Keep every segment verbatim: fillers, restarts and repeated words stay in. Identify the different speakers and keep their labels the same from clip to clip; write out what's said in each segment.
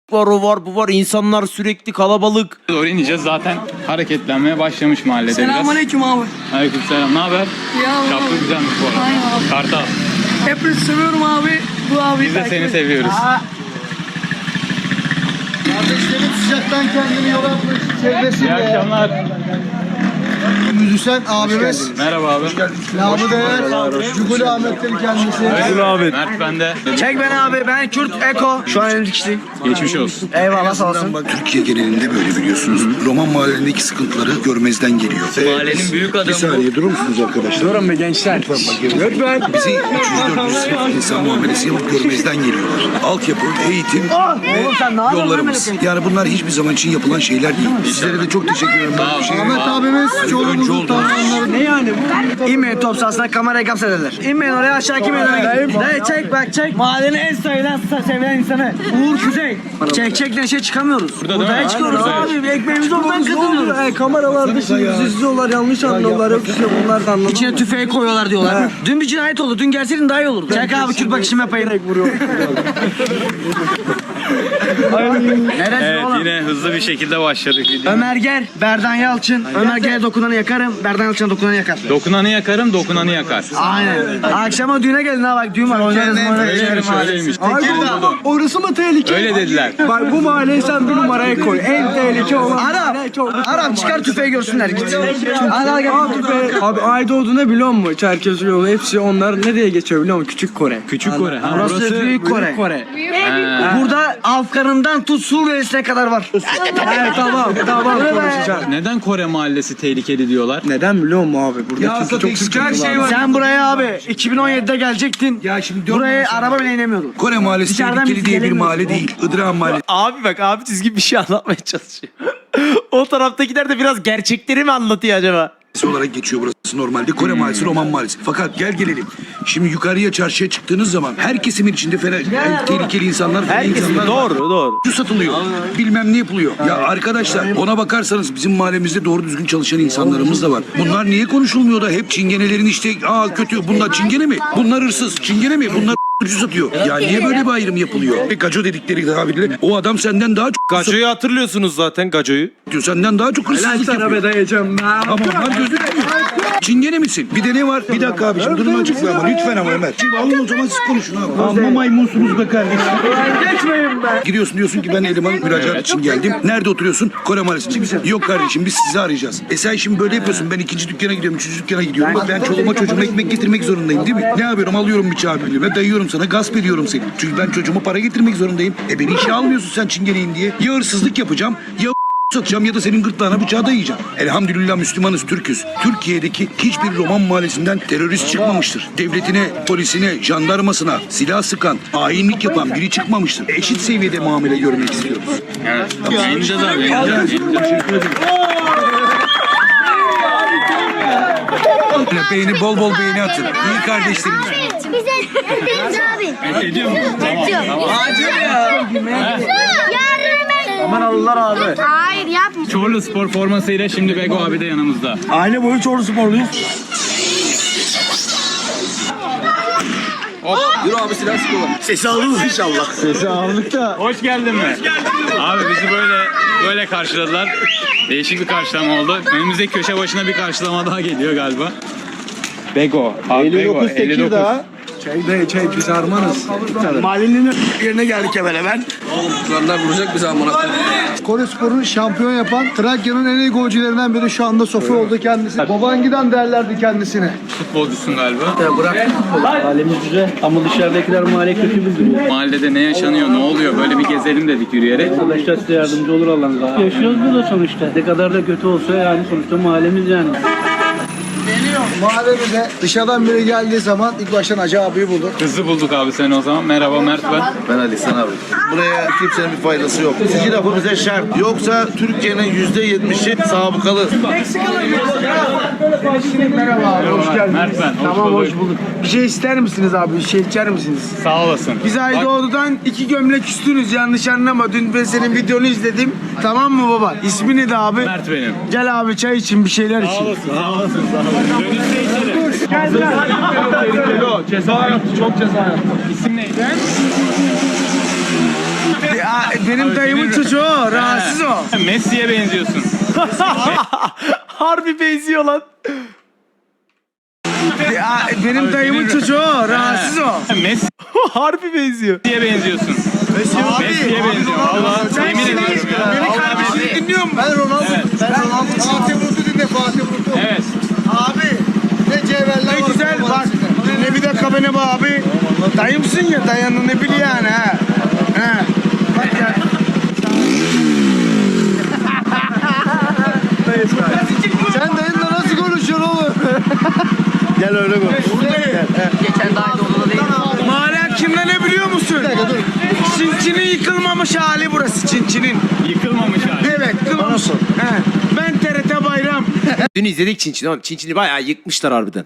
Speaker 1: var, o var, bu var. İnsanlar sürekli kalabalık.
Speaker 2: Doğru ineceğiz. Zaten hareketlenmeye başlamış mahallede biraz.
Speaker 3: Selamünaleyküm abi.
Speaker 2: Aleykümselam. Ne haber?
Speaker 3: Ya
Speaker 2: Şapka
Speaker 3: abi.
Speaker 2: güzelmiş bu arada.
Speaker 3: Aynen abi.
Speaker 2: Kartal.
Speaker 3: Hepinizi seviyorum abi. Bu abi.
Speaker 2: Biz de seni seviyoruz.
Speaker 4: Kardeşlerim sıcaktan kendini yola atmış
Speaker 2: İyi
Speaker 4: çevresinde.
Speaker 2: akşamlar.
Speaker 4: Müzisyen abimiz.
Speaker 2: Merhaba abi.
Speaker 4: Namı değer. Cuguli Ahmet'tir kendisi.
Speaker 2: Evet. Mert bende.
Speaker 3: Çek beni abi. Ben Kürt Eko. Şu an elimdeki kişi.
Speaker 2: Geçmiş olsun.
Speaker 3: Eyvallah sağ olsun.
Speaker 5: Türkiye genelinde böyle biliyorsunuz. Roman mahallelerindeki sıkıntıları görmezden geliyor.
Speaker 6: Mahallenin büyük adamı.
Speaker 5: Bir saniye durur musunuz arkadaşlar?
Speaker 4: Durun be gençler.
Speaker 5: Lütfen. Bizi üç yüz dört yüz sınıf insan muamelesi yapıp görmezden geliyorlar. Altyapı, eğitim
Speaker 3: Oğlum sen ne yapıyorsun?
Speaker 5: yollarımız. Yani bunlar hiçbir zaman için yapılan şeyler değil. Sizlere de çok teşekkür ederim. Böyle bir şey.
Speaker 4: Ahmet abimiz
Speaker 5: Önce
Speaker 4: çoluğumuzun
Speaker 5: oldu.
Speaker 4: tanrıları.
Speaker 3: Ne yani bu? İnmeyin top sahasına kamerayı kapsederler. İnmeyin oraya aşağı kim eder? Dayı çek bak çek. Mahallenin en sayılan sevilen insanı. Uğur Kuzey. Çek çek neşe çıkamıyoruz.
Speaker 2: Burada değil
Speaker 3: Buradan
Speaker 2: mi?
Speaker 3: çıkıyoruz
Speaker 2: Aynen.
Speaker 3: abi. Bir ekmeğimizi oradan kazanıyoruz.
Speaker 4: E, kameralar dışı izliyorlar, yanlış anlıyorlar. Yok işte bunlar da anlamıyor.
Speaker 3: İçine tüfeği koyuyorlar diyorlar. Dün bir cinayet oldu. Dün gelseydin daha iyi olurdu. Çek abi Kürt bakışımı yapayım. Neresi
Speaker 2: Evet
Speaker 3: oğlum?
Speaker 2: yine hızlı bir şekilde başladık.
Speaker 3: Ömer Ger, Berdan Yalçın. Ömer Ger'e dokunanı yakarım, Berdan Yalçın'a dokunanı yakar.
Speaker 2: Dokunanı yakarım, dokunanı yakar.
Speaker 3: Aynen. Akşama düğüne gelin ha bak düğün var. Oynarız oynarız.
Speaker 2: Öyleymiş, öyleymiş.
Speaker 4: Orası mı tehlike?
Speaker 2: Öyle dediler.
Speaker 4: Bak bu mahalleyi sen bir numaraya koy. En tehlike olan.
Speaker 3: Arap, Arap çıkar tüfeği görsünler git. Hadi hadi gel.
Speaker 4: Abi Aydoğdu'na biliyor musun? Çerkez yolu hepsi onlar nereye geçiyor biliyor musun? Küçük Kore.
Speaker 2: Küçük Kore. Ha,
Speaker 3: Burası,
Speaker 2: burası.
Speaker 3: Büyük Kore.
Speaker 4: Kore.
Speaker 3: Burada Afgan'ından tut Suriye'sine kadar var.
Speaker 4: Evet tamam tamam konuşacağım.
Speaker 2: Neden Kore mahallesi tehlikeli diyorlar?
Speaker 4: Neden biliyor musun abi? Burada
Speaker 5: Ya
Speaker 4: çünkü çok sıkıntılar
Speaker 5: şey
Speaker 4: var.
Speaker 3: Sen buraya abi iki bin on yedide gelecektin.
Speaker 5: Ya şimdi dört
Speaker 3: Buraya
Speaker 5: numara-
Speaker 3: araba bile inemiyordun.
Speaker 5: Kore mahallesi
Speaker 3: Dışarıdan
Speaker 5: tehlikeli
Speaker 3: biz
Speaker 5: diye bir
Speaker 3: gelemiyoruz.
Speaker 5: mahalle değil. Idıran mahallesi
Speaker 1: Abi bak abi çizgi bir şey anlatmaya çalışıyor. O taraftakiler de biraz gerçekleri mi anlatıyor acaba?
Speaker 5: olarak geçiyor burası normalde. Kore mahallesi, Roman mahallesi. Fakat gel gelelim. Şimdi yukarıya çarşıya çıktığınız zaman her kesimin içinde fena, en tehlikeli insanlar, fena
Speaker 1: Herkesin
Speaker 5: insanlar var.
Speaker 1: doğru doğru.
Speaker 5: Şu satılıyor. Bilmem ne yapılıyor. Ya arkadaşlar ona bakarsanız bizim mahallemizde doğru düzgün çalışan insanlarımız da var. Bunlar niye konuşulmuyor da hep çingenelerin işte aa kötü bunlar çingene mi? Bunlar hırsız. Çingene mi? Bunlar ucuz satıyor. Ya niye böyle bir ayrım yapılıyor? Ve gaco dedikleri tabirle o adam senden daha çok
Speaker 1: Gaco'yu hatırlıyorsunuz zaten Gaco'yu.
Speaker 5: satıyor. Senden daha çok hırsızlık yapıyor.
Speaker 4: dayayacağım.
Speaker 5: Ama onlar gözükmüyor. Çingene misin? Bir de ne var? Bir dakika abiciğim durumu açıkla ama lütfen ama Ömer. Şimdi alın o zaman siz konuşun abi. Amma maymunsunuz be kardeşim.
Speaker 4: Geçmeyin be.
Speaker 5: Gidiyorsun diyorsun ki ben eleman müracaat için geldim. Nerede oturuyorsun? Kore Mahallesi'nde. Yok kardeşim biz sizi arayacağız. E sen şimdi böyle yapıyorsun. Ben ikinci dükkana gidiyorum, üçüncü dükkana gidiyorum. Bak ben çoluğuma çocuğuma ekmek getirmek zorundayım değil mi? Ne yapıyorum? Alıyorum bıçağı birliğime, dayıyorum sana, gasp ediyorum seni. Çünkü ben çocuğuma para getirmek zorundayım. E beni işe almıyorsun sen çingeneyim diye. Ya hırsızlık yapacağım, ya satacağım ya da senin gırtlağına bıçağı dayayacağım. Elhamdülillah Müslümanız, Türk'üz. Türkiye'deki hiçbir Roman mahallesinden terörist çıkmamıştır. Devletine, polisine, jandarmasına silah sıkan, hainlik yapan biri çıkmamıştır. Eşit seviyede muamele görmek istiyoruz.
Speaker 2: Evet. Yayınlayacağız abi. Yayınlayacağız.
Speaker 5: Beğeni bol bol beğeni atın. İyi kardeşlerimiz.
Speaker 7: Bize Deniz abi.
Speaker 2: Ediyor musun? Tamam. Tamam.
Speaker 7: Yarın ben...
Speaker 3: Aman alırlar abi.
Speaker 7: Hayır yapma.
Speaker 2: Çorlu spor formasıyla şimdi Bego abi de yanımızda.
Speaker 3: Aile boyu Çorlu sporluyuz.
Speaker 4: Sesi alırız inşallah.
Speaker 2: Sesi aldık da. Hoş geldin mi? Abi bizi böyle böyle karşıladılar. Değişik bir karşılama oldu. Önümüzdeki köşe başına bir karşılama daha geliyor galiba. Bego. Abi Bego. elli dokuz.
Speaker 4: Çay dayı çay biz armanız.
Speaker 3: Mahallenin yerine geldik hemen hemen.
Speaker 4: Kore Spor'un şampiyon yapan Trakya'nın en iyi golcülerinden biri şu anda Sofi oldu kendisi. Babangida derlerdi kendisine.
Speaker 2: Futbolcusun galiba.
Speaker 6: Halimiz güzel ama dışarıdakiler mahalle kötü bildiriyor.
Speaker 2: Mahallede ne yaşanıyor, ne oluyor? Böyle bir gezelim dedik yürüyerek.
Speaker 6: Arkadaşlar size yardımcı olur Allah'ın izniyle. Yaşıyoruz burada sonuçta. Ne kadar da kötü olsa yani sonuçta mahallemiz yani.
Speaker 4: Mahallemize dışarıdan biri geldiği zaman ilk baştan Hacı abiyi bulduk.
Speaker 2: Hızlı bulduk abi seni o zaman. Merhaba Mert ben.
Speaker 8: Ben Ali San abi. Buraya kimsenin bir faydası yok. İki lafı bize şart. Yoksa Türkiye'nin yüzde yetmişi sabıkalı.
Speaker 4: Merhaba abi, hoş geldiniz.
Speaker 2: Mert ben. Hoş
Speaker 3: Tamam
Speaker 2: bulduk.
Speaker 3: hoş bulduk. Bir şey ister misiniz abi? Bir şey içer misiniz?
Speaker 2: Sağ olasın.
Speaker 3: Biz Aydoğdu'dan iki gömlek üstünüz yanlış anlama. Dün ben senin videonu izledim. Tamam mı baba? İsmi neydi abi?
Speaker 2: Mert benim.
Speaker 3: Gel abi çay için bir şeyler için.
Speaker 2: Sağ olasın. Sağ olasın. Sağ olasın. Dönüşte içerim.
Speaker 3: Gel gel.
Speaker 2: Ceza yaptı. Çok ceza yaptı. İsim neydi?
Speaker 3: Benim dayımın çocuğu o, rahatsız o.
Speaker 2: Messi'ye benziyorsun.
Speaker 1: Harbi benziyor lan.
Speaker 3: Benim dayımın çocuğu o, rahatsız o.
Speaker 2: Messi'ye
Speaker 1: Harbi benziyor.
Speaker 2: benziyorsun. Messi'ye benziyor. Valla yemin ediyorum ya.
Speaker 3: Beni kardeşini dinliyor musun?
Speaker 4: Ben Ronaldo. Ben Ronaldo. Fatih Vurdu dinle Fatih Vurdu.
Speaker 2: Evet.
Speaker 4: Abi ne cevherler
Speaker 3: Ne
Speaker 4: var.
Speaker 3: güzel bak. Ne bir dakika beni bu abi. Dayımsın ya, dayanını ne biliyor yani ha. Ha. Bak ya.
Speaker 4: Sen dayınla nasıl konuşuyorsun oğlum? Gel öyle konuş.
Speaker 3: Mahalle kimde ne biliyor musun? Çinçinin yıkılmamış hali burası, Çinçinin.
Speaker 2: Yıkılmamış hali.
Speaker 3: Evet, yıkılmamış. He. Ben T R T Bayram.
Speaker 1: Dün izledik Çinçin'i oğlum. Çinçin'i bayağı yıkmışlar harbiden.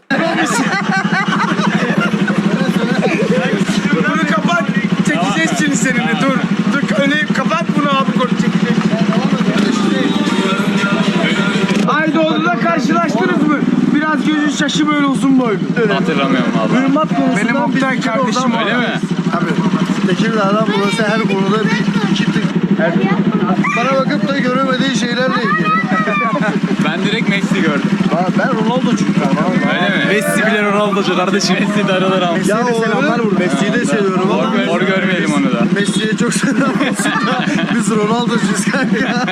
Speaker 3: Bunu kapat. Çekeceğiz Çin'i seninle. Dur. Dur öyle kapat bunu abi. Konu çekeceğiz. Aydoğdu'da karşılaştınız mı? Biraz gözü şaşı böyle uzun boylu.
Speaker 2: Hatırlamıyorum valla.
Speaker 4: Irmak konusundan
Speaker 3: Benim Oktay
Speaker 4: bir
Speaker 3: kardeşim
Speaker 4: oradan
Speaker 2: Öyle mi?
Speaker 4: Abi Tekirdağ'dan burası her konuda bir iki tık. Bana bakıp da göremediği şeylerle ilgili.
Speaker 2: Ben direkt Messi gördüm.
Speaker 4: Ben- Ben Ronaldo'cuyum ben.
Speaker 2: Öyle mi?
Speaker 1: Messi bile Ronaldo'cu kardeşim.
Speaker 2: Messi darılır ama.
Speaker 4: Ya o Messi'yi de seviyorum
Speaker 2: Hor,
Speaker 4: ama
Speaker 2: gör, hor görmeyelim onu da.
Speaker 4: Messi'ye çok selam olsun da biz Ronaldo'cuyuz kanka.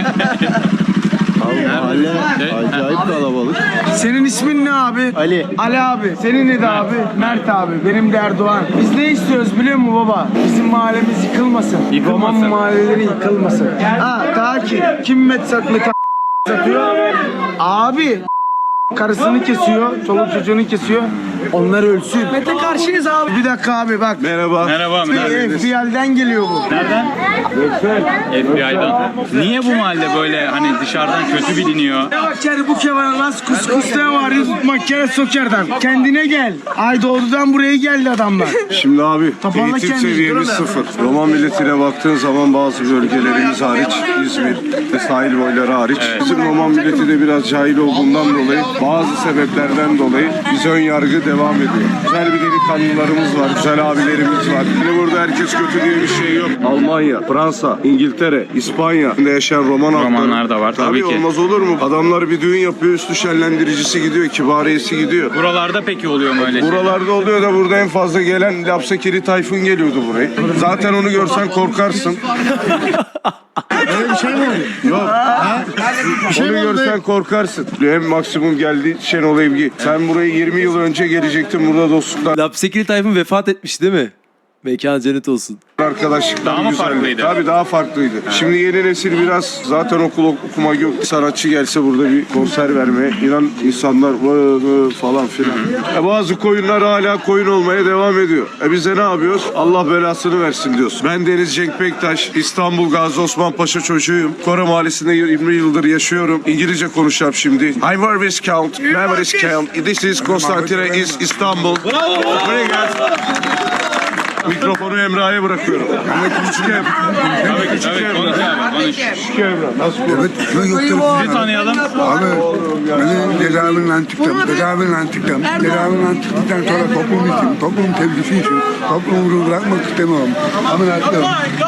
Speaker 2: Mahalle
Speaker 4: Acayip kalabalık.
Speaker 3: Senin ismin ne abi?
Speaker 4: Ali.
Speaker 3: Ali abi. Senin ne de abi? Mert abi. Benim de Erdoğan. Biz ne istiyoruz biliyor musun baba? Bizim mahallemiz yıkılmasın.
Speaker 2: Yıkılmasın.
Speaker 3: Roman mahalleleri yıkılmasın. Ha daha ki kim met sat met satıyor? Abi karısını kesiyor, çoluk çocuğunu kesiyor. Onlar ölsün. Mete karşıyız abi. Bir dakika abi bak.
Speaker 4: Merhaba.
Speaker 2: Merhaba.
Speaker 3: F B I'den geliyor bu.
Speaker 2: Nereden? F B I'dan. Niye bu mahalle böyle hani dışarıdan kötü biliniyor?
Speaker 3: Ne bak yani bu kevan las kuskusta var makyara sokerden. Kendine gel. Aydoğdu'dan buraya geldi adamlar.
Speaker 9: Şimdi abi
Speaker 3: Toparla
Speaker 9: eğitim
Speaker 3: kendini.
Speaker 9: seviyemiz sıfır. Roman milletine baktığın zaman bazı bölgelerimiz hariç, İzmir ve sahil boyları hariç. Bizim Roman milleti de biraz cahil olduğundan dolayı, bazı sebeplerden dolayı biz ön yargı devam ediyor. Güzel bir delikanlılarımız var, güzel abilerimiz var. Şimdi burada herkes kötü diye bir şey yok. Almanya, Fransa, İngiltere, İspanya'da yaşayan Roman halkları.
Speaker 2: Romanlar da var, tabii ki.
Speaker 9: Olmaz olur mu? Adamlar bir düğün yapıyor, üstü şenlendiricisi gidiyor, kibariyesi gidiyor.
Speaker 2: Buralarda peki oluyor mu öyle şey?
Speaker 9: Buralarda oluyor da burada en fazla gelen Lapsakiri Tayfun geliyordu burayı. Zaten onu görsen korkarsın.
Speaker 4: Öyle bir şey mi oldu?
Speaker 9: Yok.
Speaker 4: Bir şey
Speaker 9: Onu
Speaker 4: mi oldu?
Speaker 9: görsen korkarsın. Hem maksimum geldi Şenol Evgi. Sen buraya yirmi yıl önce gelecektin, burada dostluklar,
Speaker 1: Lapsekili Tayfun vefat etmiş değil mi? Mekan cennet olsun.
Speaker 9: arkadaşlıklar
Speaker 2: Daha mı
Speaker 9: güzeldi.
Speaker 2: farklıydı?
Speaker 9: Tabii daha farklıydı. Şimdi yeni nesil biraz zaten okul okuma yok. Sanatçı gelse burada bir konser vermeye inan insanlar vı vı falan filan. E bazı koyunlar hala koyun olmaya devam ediyor. E biz de ne yapıyoruz? Allah belasını versin diyoruz. Ben Deniz Cenk Bektaş, İstanbul Gazi Osman Paşa çocuğuyum. Kore Mahallesi'nde yirmi yıldır yaşıyorum. İngilizce konuşacağım şimdi. I work count, memories count. This is Konstantine is İstanbul. Buraya gel. Mikrofonu Emrah'a bırakıyorum. Ama küçük ev.
Speaker 2: Tabii, tabii, konuş abi, konuş.
Speaker 9: Küçük Emrah. Nasıl
Speaker 10: Evet, ben yoktur.
Speaker 2: Sizi tanıyalım.
Speaker 10: Abi, beni tedaviyle çıktım, tedaviyle çıktım. Tedaviyle çıktıktan sonra toplum için, toplum sevgisi için, toplumu bırakmak istemiyorum. Ameliyatlıyım.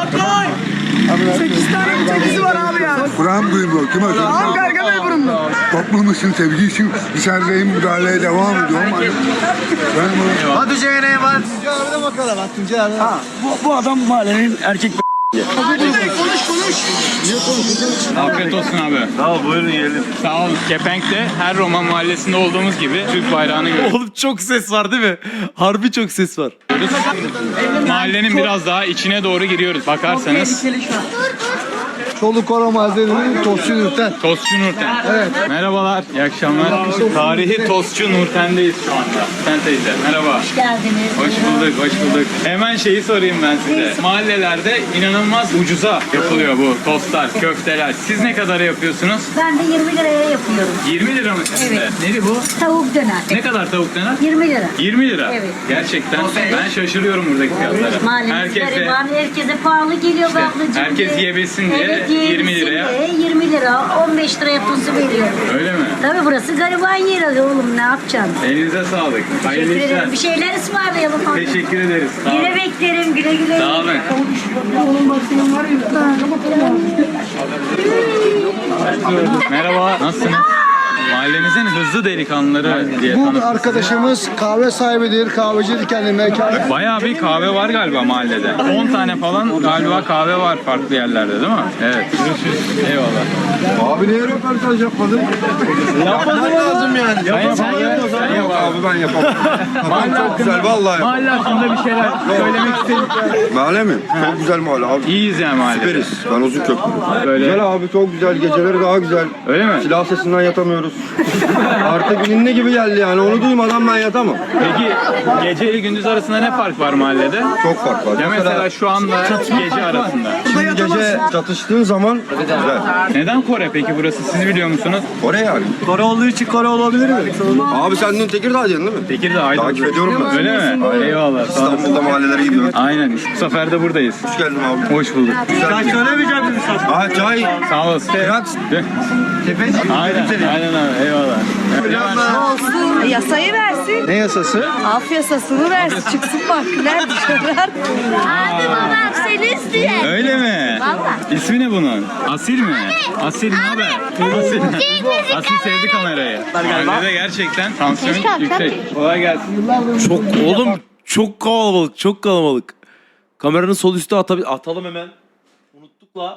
Speaker 3: sekiz tane çekizi var abi ya.
Speaker 10: Kur'an duymuyor, kim atıyor?
Speaker 3: Abi gargamel burunlu.
Speaker 10: Toplum için, sevgi için dışarıdayım, müdahaleye devam ediyorum. Ben bunu...
Speaker 3: Hadi Ceyne'ye bak.
Speaker 4: Tuncay abide bakalım. Bak Tuncay abide.
Speaker 3: Bu, bu adam mahallenin erkek
Speaker 2: Afiyet olsun abi. Sağ ol, buyurun yiyelim. Sağ olun. Kepenk'te her Roman mahallesinde olduğumuz gibi Türk bayrağını görüyoruz.
Speaker 1: Oğlum çok ses var değil mi? Harbi çok ses var.
Speaker 2: Mahallenin biraz daha içine doğru giriyoruz. Bakarsanız
Speaker 4: Çoluk Kora Mahallesi'nin Tosçu Nurten.
Speaker 2: Tostçu Nurten. Evet. Merhabalar, iyi akşamlar. Tarihi Tostçu Nurten'deyiz şu anda. Sen teyze, merhaba.
Speaker 7: Hoş geldiniz.
Speaker 2: Hoş bulduk, hoş bulduk. Hemen şeyi sorayım ben size. Mahallelerde inanılmaz ucuza yapılıyor bu tostlar, köfteler. Siz ne kadara yapıyorsunuz?
Speaker 7: Ben de yirmi liraya yapıyorum.
Speaker 2: yirmi lira mı sizde?
Speaker 7: Evet.
Speaker 2: Neydi bu?
Speaker 7: Tavuk döner.
Speaker 2: Ne kadar tavuk döner?
Speaker 7: yirmi lira.
Speaker 2: yirmi lira.
Speaker 7: Evet.
Speaker 2: Gerçekten ben şaşırıyorum buradaki fiyatlara.
Speaker 7: Mahallemiz
Speaker 2: Herkes de,
Speaker 7: gariban, herkese pahalı geliyor be ablacığım.
Speaker 2: herkes yiyebilsin diye
Speaker 7: Evet,
Speaker 2: yirmi liraya.
Speaker 7: yirmi lira, on beş liraya tuzlu veriyorum.
Speaker 2: Öyle mi?
Speaker 7: Tabii burası gariban yeri oğlum, ne yapacaksın?
Speaker 2: Elinize sağlık. Hayırlı
Speaker 7: Teşekkür
Speaker 2: işler.
Speaker 7: ederim. Bir şeyler ısmarlayalım.
Speaker 2: Teşekkür ederiz. Sağ olun.
Speaker 7: Yine beklerim, güle güle.
Speaker 2: Sağ olun. Merhaba, nasılsınız? Mahallemizin hızlı delikanlıları diye
Speaker 4: Bu
Speaker 2: tanıttık.
Speaker 4: arkadaşımız kahve sahibidir, kahvecidir kendi mekanı.
Speaker 2: Bayağı bir kahve var galiba mahallede. on tane falan galiba kahve var farklı yerlerde değil mi? Evet. Görüşürüz. Eyvallah.
Speaker 9: Abi niye röportaj yapmadın?
Speaker 3: Yapması lazım yani.
Speaker 2: Sen yap abi. Sen yap abi.
Speaker 9: Abi ben yapamam. Mahalle çok güzel vallahi.
Speaker 2: Mahalle hakkında bir şeyler söylemek istedim.
Speaker 9: Mahalle mi? Çok güzel mahalle abi.
Speaker 2: İyiyiz yani mahallede.
Speaker 9: Süperiz. Ben uzun köprü.
Speaker 2: Böyle.
Speaker 9: Güzel abi çok güzel. Geceleri daha güzel.
Speaker 2: Öyle mi?
Speaker 9: Silah sesinden yatamıyoruz. Artık ninni gibi geldi yani. Onu duymadan ben yatamam.
Speaker 2: Peki gece ile gündüz arasında ne fark var mahallede?
Speaker 9: Çok fark var.
Speaker 2: Ya mesela şu anda gece arasında.
Speaker 9: Şimdi gece çatıştığın zaman güzel.
Speaker 2: Neden Kore peki burası? Siz biliyor musunuz?
Speaker 9: Oraya yani.
Speaker 3: Kore olduğu için Kore olabilir mi?
Speaker 9: Abi sen dün Tekirdağ'daydın değil mi?
Speaker 2: Tekirdağ Aydın.
Speaker 9: Takip ediyorum ben.
Speaker 2: Öyle mi? Eyvallah. Sağ olasın.
Speaker 9: İstanbul'da mahallelere gidiyorum.
Speaker 2: Aynen. Bu sefer de buradayız.
Speaker 9: Hoş geldin abi.
Speaker 2: Hoş bulduk.
Speaker 3: Sen söylemeyecek misin?
Speaker 9: Aha çay.
Speaker 2: Sağ olasın.
Speaker 9: Relax.
Speaker 2: Aynen. Aynen abi. Eyvallah.
Speaker 11: Olsun. Yasayı versin.
Speaker 3: Ne yasası?
Speaker 11: Af yasasını versin. Çıksın mahkemeler dışarı.
Speaker 7: Abi babam seni istiyor.
Speaker 2: Öyle mi?
Speaker 7: Vallahi.
Speaker 2: İsmi ne bunun? Asil mi? Asil ne haber? Asil. Asil sevdi kamerayı. Mahallede gerçekten tansiyon yüksek. Kolay gelsin.
Speaker 1: Çok oğlum çok kalabalık, çok kalabalık. Kameranın sol üstü atabil atalım hemen. Unuttuk la.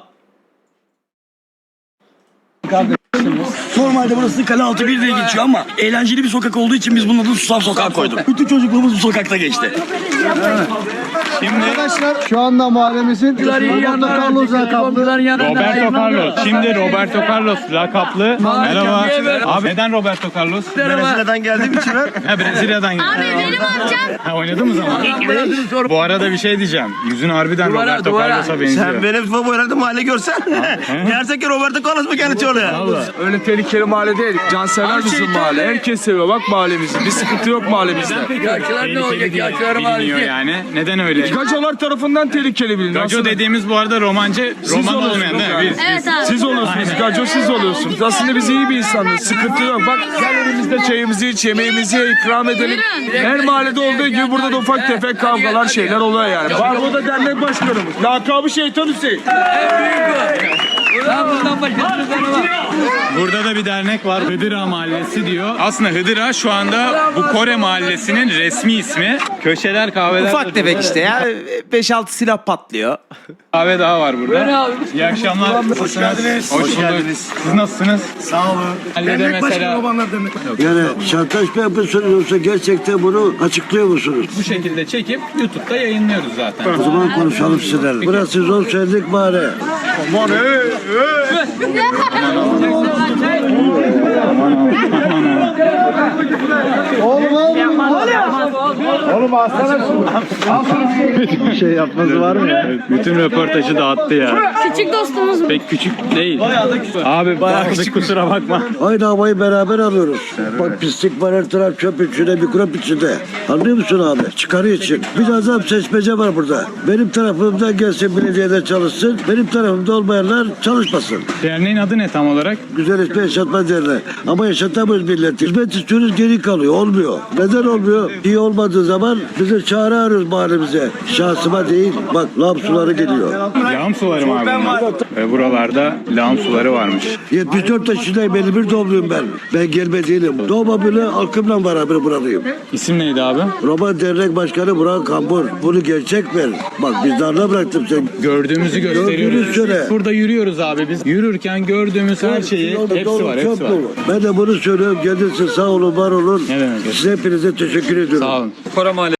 Speaker 3: Normalde burası Kale Altı bir diye geçiyor ama eğlenceli bir sokak olduğu için biz bunun adını Susam Sokağı koyduk. Bütün çocukluğumuz bu sokakta geçti.
Speaker 2: Şimdi
Speaker 4: Arkadaşlar şu anda mahallemizin Roberto Carlos lakaplı
Speaker 2: Roberto Carlos. Şimdi Roberto Carlos lakaplı. Merhaba. Abi neden Roberto Carlos?
Speaker 3: Brezilya'dan geldiğim için ben.
Speaker 2: Ha Brezilya'dan geldi.
Speaker 7: Abi benim amcam.
Speaker 2: Ha oynadın mı zaman? Bu arada bir şey diyeceğim. Yüzün harbiden Roberto Carlos'a benziyor.
Speaker 3: Sen benim bu herhalde mahalle görsen. Gerçekten Roberto Carlos mu kendisi oluyor?
Speaker 9: Öyle tehlikeli mahalle değil. Cansever bizim mahalle. Herkes seviyor bak mahallemizi. Bir sıkıntı yok mahallemizde.
Speaker 2: Tehlikeli diye biliniyor yani. Neden öyle?
Speaker 9: Gacolar tarafından tehlikeli biliniyor.
Speaker 2: Gaco dediğimiz bu arada romancı, roman olmayan değil mi? Biz,
Speaker 7: Evet abi.
Speaker 9: Siz oluyorsunuz. Gaco siz oluyorsunuz. Aslında biz iyi bir insanız. Sıkıntı yok. Bak gel elimizde çayımızı iç, yemeğimizi ye, ikram edelim. Her mahallede olduğu gibi burada da ufak tefek kavgalar şeyler oluyor yani. Var burada dernek başkanımız. Lakabı Şeytan Hüseyin.
Speaker 2: Burada da bir dernek var. Hıdıra Mahallesi diyor. Aslında Hıdıra şu anda bu Kore Mahallesi'nin resmi ismi. Köşeler, kahveler.
Speaker 1: Ufak tefek işte ya. beş altı silah patlıyor.
Speaker 2: Kahve daha var burada. İyi akşamlar. Hoş geldiniz. Hoş bulduk. Siz nasılsınız? Sağ olun. Mahallede mesela
Speaker 10: Yani şantaj mı yapıyorsunuz yoksa gerçekten bunu açıklıyor musunuz?
Speaker 2: bu şekilde çekip YouTube'da yayınlıyoruz zaten.
Speaker 10: O zaman konuşalım sizlerle. Burası zor söyledik bari.
Speaker 9: Aman hey hey.
Speaker 4: Oğlum oğlum. Oğlum aslanım. Bir şey yapması var mı ya?
Speaker 2: Evet, bütün röportajı dağıttı ya.
Speaker 11: Küçük dostumuz mu?
Speaker 2: Pek küçük değil. Bayağı da küçük. Abi bayağı küçük, kusura bakma.
Speaker 10: Aynı havayı beraber alıyoruz. Bak pislik var, her taraf çöp içinde, mikrop içinde. Anlıyor musun abi? Çıkarı için. Bir azam seçmece var burada. Benim tarafımdan gelsin belediyede çalışsın. Benim tarafımda olmayanlar çalışmasın.
Speaker 2: Derneğin adı ne tam olarak?
Speaker 10: Güzel ismi yaşatma derler. Ama yaşatamıyoruz milleti. Hizmet istiyoruz geri kalıyor. Olmuyor. Neden olmuyor? İyi olmadığı zaman bizi çağrı arıyoruz mahallemize. Şahsıma değil. Bak laf suları geliyor.
Speaker 2: Lağım suları mı abi bunlar? Ve buralarda lağım suları varmış.
Speaker 10: yetmiş dört yaşındayım. elli bir doğumluyum ben. Ben gelme değilim. Doğma bile halkımla beraber buradayım.
Speaker 2: İsim neydi abi?
Speaker 10: Roman Dernek Başkanı Burak Kambur. Bunu gerçek ver. Bak biz darla bıraktım sen.
Speaker 2: Gördüğümüzü
Speaker 10: Gördüğünüz
Speaker 2: gösteriyoruz.
Speaker 10: söyle.
Speaker 2: Burada yürüyoruz abi biz. Yürürken gördüğümüz her şeyi
Speaker 10: Yolda
Speaker 2: hepsi
Speaker 10: dolu,
Speaker 2: var,
Speaker 10: çöp
Speaker 2: hepsi var.
Speaker 10: dolu. Ben de bunu söylüyorum. Gelirsin sağ olun, var olun.
Speaker 2: Ne demek?
Speaker 10: Size hepinize teşekkür ediyorum.
Speaker 2: Sağ olun.